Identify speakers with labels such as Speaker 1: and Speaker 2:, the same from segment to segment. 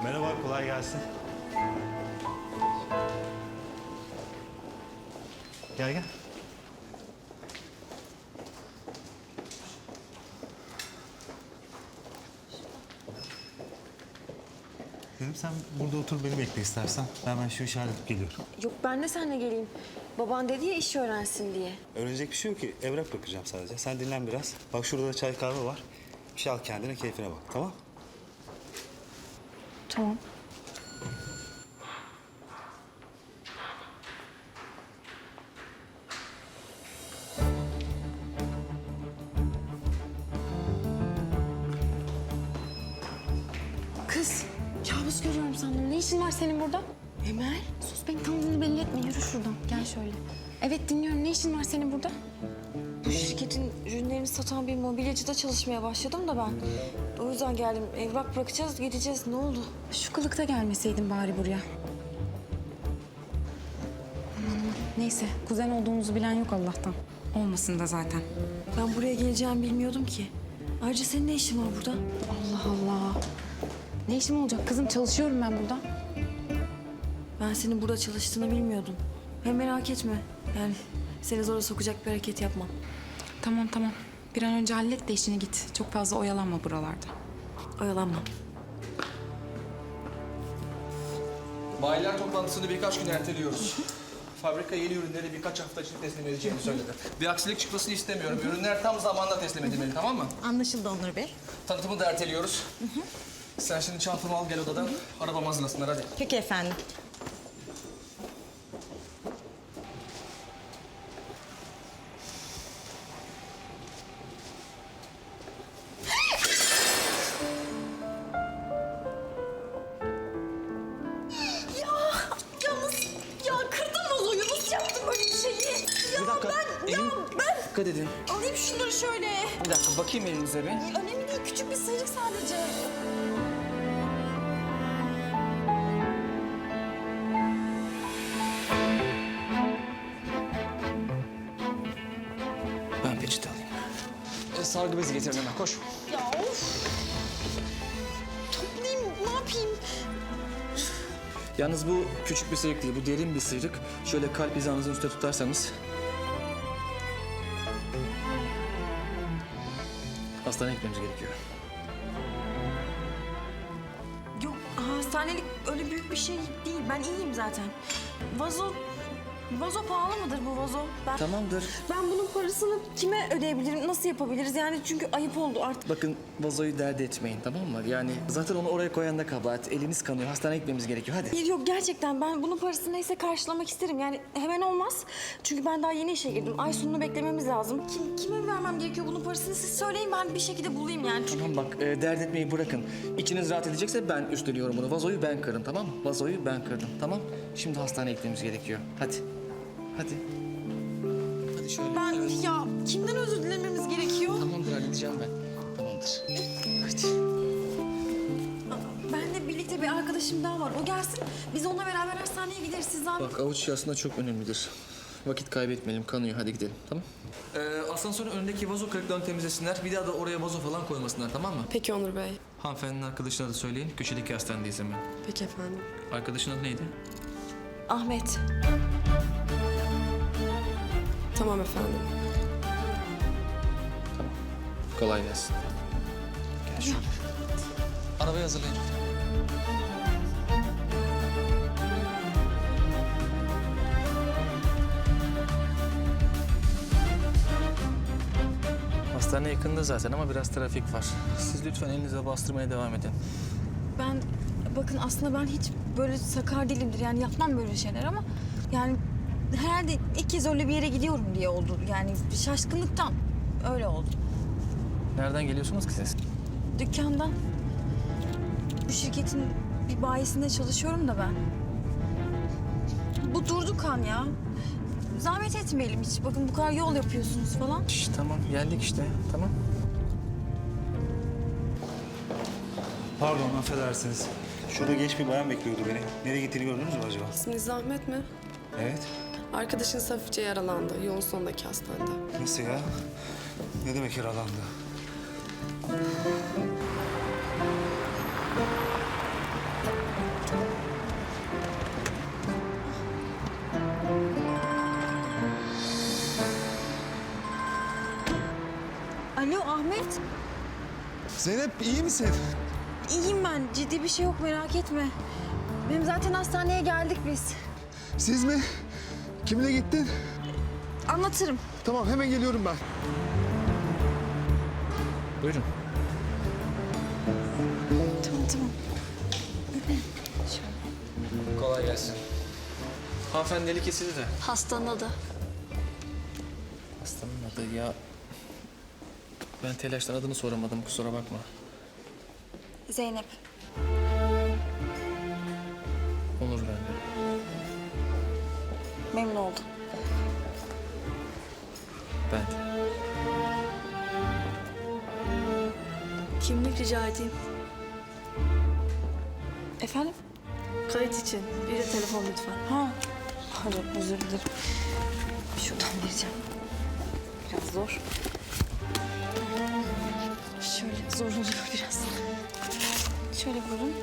Speaker 1: Merhaba, kolay gelsin. Gel gel. Dedim sen burada otur beni bekle istersen. Ben şu işi halledip geliyorum.
Speaker 2: Yok ben de seninle geleyim. Baban dedi ya iş öğrensin diye.
Speaker 1: Öğrenecek bir şey yok ki. Evrak bakacağım sadece. Sen dinlen biraz. Bak şurada da çay kahve var. Bir şey al kendine, keyfine bak. Tamam?
Speaker 2: Tamam. Kız, kabus görüyorum sandım. Ne işin var senin burada? Emel. Sus, beni tanıdığını belli etme. Yürü şuradan. Gel şöyle. Evet dinliyorum. Ne işin var senin burada? Bu şirketin ürünlerini satan bir mobilyacıda çalışmaya başladım da ben. O yüzden geldim. Evrak bırakacağız, gideceğiz. Ne oldu? Şu kılıkta gelmeseydin bari buraya. Neyse, kuzen olduğumuzu bilen yok Allah'tan.
Speaker 3: Olmasın da zaten.
Speaker 2: Ben buraya geleceğimi bilmiyordum ki. Ayrıca senin ne işin var burada?
Speaker 3: Allah Allah. Ne işim olacak kızım? Çalışıyorum ben burada.
Speaker 2: Ben senin burada çalıştığını bilmiyordum. Hem merak etme. Yani seni zora sokacak bir hareket yapmam.
Speaker 3: Tamam tamam. Bir an önce hallet de işini git. Çok fazla oyalanma buralarda.
Speaker 2: Oyalanmam.
Speaker 4: Bayiler toplantısını birkaç gün erteliyoruz. Fabrika yeni ürünleri birkaç hafta içinde teslim edeceğini söyledi. Bir aksilik çıkmasını istemiyorum. Ürünler tam zamanda teslim edilmeli, tamam mı?
Speaker 5: Anlaşıldı Onur Bey.
Speaker 4: Tanıtımı da erteliyoruz. Sen şimdi çantamı al gel odadan. Arabamı hazırlasınlar hadi.
Speaker 5: Peki efendim.
Speaker 2: Ya kırdın vazoyu. Nasıl yaptın böyle bir şeyi?
Speaker 4: Bir dakika. Dikkat edin.
Speaker 2: Alayım şunları şöyle.
Speaker 4: Bir dakika bakayım elinize bir.
Speaker 2: Önemli değil. Küçük bir sıyrık sadece.
Speaker 4: Ben peçete alayım. Sargı bezi getirin hemen koş.
Speaker 2: Ya of. Toplayayım. Ne yapayım?
Speaker 4: Yalnız bu küçük bir sıyrık değil, bu derin bir sıyrık. Şöyle kalp hizanızın üstüne tutarsanız. Hastaneye gitmemiz gerekiyor.
Speaker 2: Yok hastanelik öyle büyük bir şey değil. Ben iyiyim zaten. Vazo pahalı mıdır bu vazo?
Speaker 4: Tamamdır.
Speaker 2: Ben bunun parasını kime ödeyebilirim? Nasıl yapabiliriz? Yani çünkü ayıp oldu artık.
Speaker 4: Bakın vazoyu dert etmeyin tamam mı? Yani zaten onu oraya koyan da kabahat. Eliniz kanıyor. Hastaneye gitmemiz gerekiyor. Hadi.
Speaker 2: Yok gerçekten ben bunun parasını neyse karşılamak isterim. Yani hemen olmaz. Çünkü ben daha yeni işe girdim. Ay sonunu beklememiz lazım. Kime vermem gerekiyor bunun parasını? Siz söyleyin ben bir şekilde bulayım yani. Çünkü...
Speaker 4: Tamam bak dert etmeyi bırakın. İçiniz rahat edecekse ben üstleniyorum bunu. Vazoyu ben kırdım tamam mı? Vazoyu ben kırdım tamam. Şimdi hastaneye gitmemiz gerekiyor. Hadi. Hadi. Hadi şöyle.
Speaker 2: Ben
Speaker 4: Evet.
Speaker 2: ya kimden özür dilememiz gerekiyor?
Speaker 4: Tamamdır halledeceğim ben. Tamamdır. Hadi.
Speaker 2: Benle birlikte bir arkadaşım daha var. O gelsin. Biz onunla beraber hastaneye gideriz. Siz daha...
Speaker 4: Bak avuç içi aslında çok önemlidir. Vakit kaybetmeyelim. Kanıyor. Hadi gidelim. Tamam. Asansörün önündeki vazo kırıklarını temizlesinler. Bir daha da oraya vazo falan koymasınlar. Tamam mı?
Speaker 6: Peki Onur Bey.
Speaker 4: Hanımefendinin arkadaşına da söyleyin. Köşedeki hastanedeyiz hemen.
Speaker 6: Peki efendim.
Speaker 4: Arkadaşın adı neydi?
Speaker 2: Ahmet.
Speaker 6: Tamam efendim.
Speaker 4: Tamam. Kolay gelsin. Gel şöyle. Arabayı hazırlayın. Hastane yakında zaten ama biraz trafik var. Siz lütfen elinize bastırmaya devam edin.
Speaker 2: Ben bakın aslında ben hiç böyle sakar değilimdir. Yani yapmam böyle şeyler ama yani herhalde ilk kez öyle bir yere gidiyorum diye oldu. Yani şaşkınlıktan öyle oldu.
Speaker 4: Nereden geliyorsunuz ki siz?
Speaker 2: Dükkandan. Bu şirketin bir bayisinde çalışıyorum da ben. Bu durdu kan ya. Zahmet etmeyelim hiç. Bakın bu kadar yol yapıyorsunuz falan.
Speaker 4: Şş, tamam geldik işte. Tamam.
Speaker 1: Pardon, affedersiniz. Şurada genç bir bayan bekliyordu beni. Nereye gittiğini gördünüz mü acaba?
Speaker 6: İsminiz Ahmet mi?
Speaker 1: Evet.
Speaker 6: Arkadaşınız hafifçe yaralandı. Yolun sonundaki hastanede.
Speaker 1: Nasıl ya? Ne demek yaralandı?
Speaker 2: Ahmet,
Speaker 5: Zeynep iyi misin?
Speaker 2: iyiyim ben. Ciddi bir şey yok, merak etme. Benim zaten hastaneye geldik biz.
Speaker 5: Siz mi? Kimle gittin?
Speaker 2: Anlatırım.
Speaker 5: Tamam hemen geliyorum ben.
Speaker 4: Buyurun.
Speaker 2: Tamam.
Speaker 4: Kolay gelsin. Hanımefendi eli kesildi de.
Speaker 2: Hastanın adı.
Speaker 4: Hastanın adı ya... Ben telaştan adını soramadım, kusura bakma.
Speaker 2: Zeynep.
Speaker 4: Onur bende.
Speaker 2: Memnun oldum.
Speaker 4: Ben de.
Speaker 6: Kimlik rica edeyim.
Speaker 2: Efendim?
Speaker 6: Kayıt için. Bir de telefon lütfen.
Speaker 2: Ha. Pardon, özür dilerim. Şuradan vereceğim. Biraz zor. Şöyle zor oluyor biraz. Şöyle buyurun.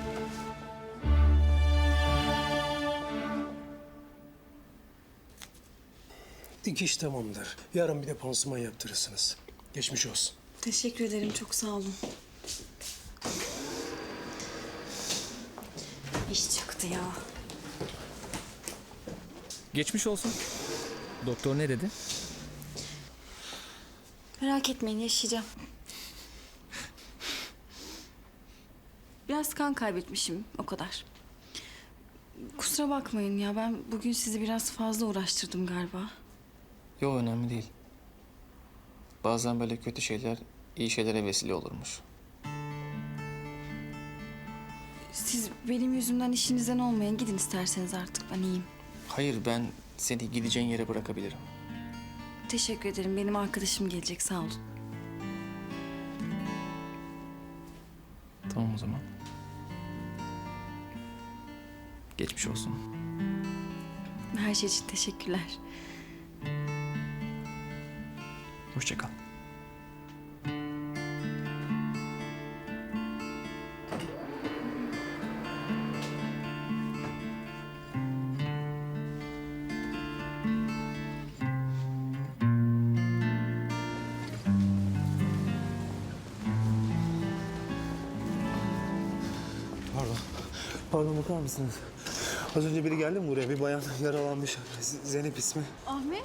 Speaker 7: Dikiş tamamdır. Yarın bir de pansuman yaptırırsınız. Geçmiş olsun.
Speaker 6: Teşekkür ederim. Çok sağ olun.
Speaker 2: İş çıktı ya.
Speaker 4: Geçmiş olsun. Doktor ne dedi?
Speaker 2: Merak etmeyin, yaşayacağım. Biraz kan kaybetmişim, o kadar. Kusura bakmayın ya, ben bugün sizi biraz fazla uğraştırdım galiba.
Speaker 4: Yok, önemli değil. Bazen böyle kötü şeyler iyi şeylere vesile olurmuş.
Speaker 2: Siz benim yüzümden işinizden olmayın, gidin isterseniz artık, ben iyiyim.
Speaker 4: Hayır, ben seni gideceğin yere bırakabilirim.
Speaker 2: Teşekkür ederim, benim arkadaşım gelecek, sağ olun.
Speaker 4: Tamam o zaman. Geçmiş olsun.
Speaker 2: Her şey için teşekkürler.
Speaker 4: Hoşça kal.
Speaker 1: Pardon bakar mısınız? Az önce biri geldi mi buraya? Bir bayan yaralanmış. Zeynep ismi.
Speaker 2: Ahmet?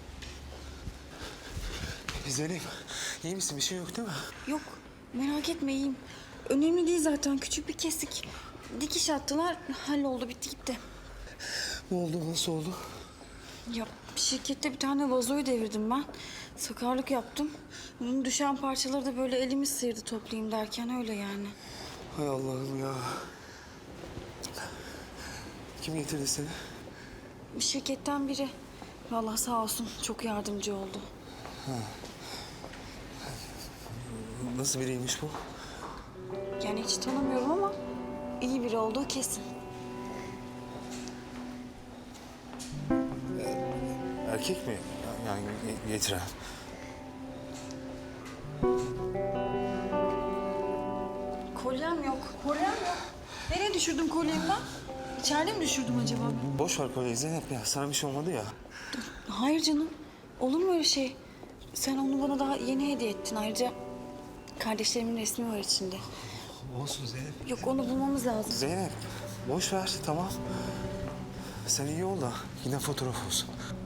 Speaker 1: Zeynep iyi misin? Bir şey yok değil mi?
Speaker 2: Yok, merak etme, iyiyim. Önemli değil zaten, küçük bir kesik. Dikiş attılar, halloldu, bitti gitti.
Speaker 1: Ne oldu? Nasıl oldu?
Speaker 2: Ya şirkette bir tane vazoyu devirdim ben. Sakarlık yaptım. Bunun düşen parçaları da böyle elimi sıyırdı toplayayım derken öyle yani.
Speaker 1: Hay Allah'ım ya. Kim getirdi seni?
Speaker 2: Şirketten biri. Vallahi sağ olsun çok yardımcı oldu.
Speaker 1: Nasıl biriymiş bu?
Speaker 2: Yani hiç tanımıyorum ama iyi biri olduğu kesin.
Speaker 1: Erkek mi? Yani getiren.
Speaker 2: Kolyem yok. Kolyem yok. Nereye düşürdüm kolyemi ben? İçeride mi düşürdüm acaba?
Speaker 1: Boş ver kolyeyi Zeynep ya. Sana bir şey olmadı ya.
Speaker 2: Hayır canım. Olur mu öyle şey? Sen onu bana daha yeni hediye ettin. Ayrıca kardeşlerimin resmi var içinde.
Speaker 1: Olsun Zeynep.
Speaker 2: Yok, onu bulmamız lazım.
Speaker 1: Zeynep boş ver tamam. Sen iyi ol da yine fotoğraf olsun.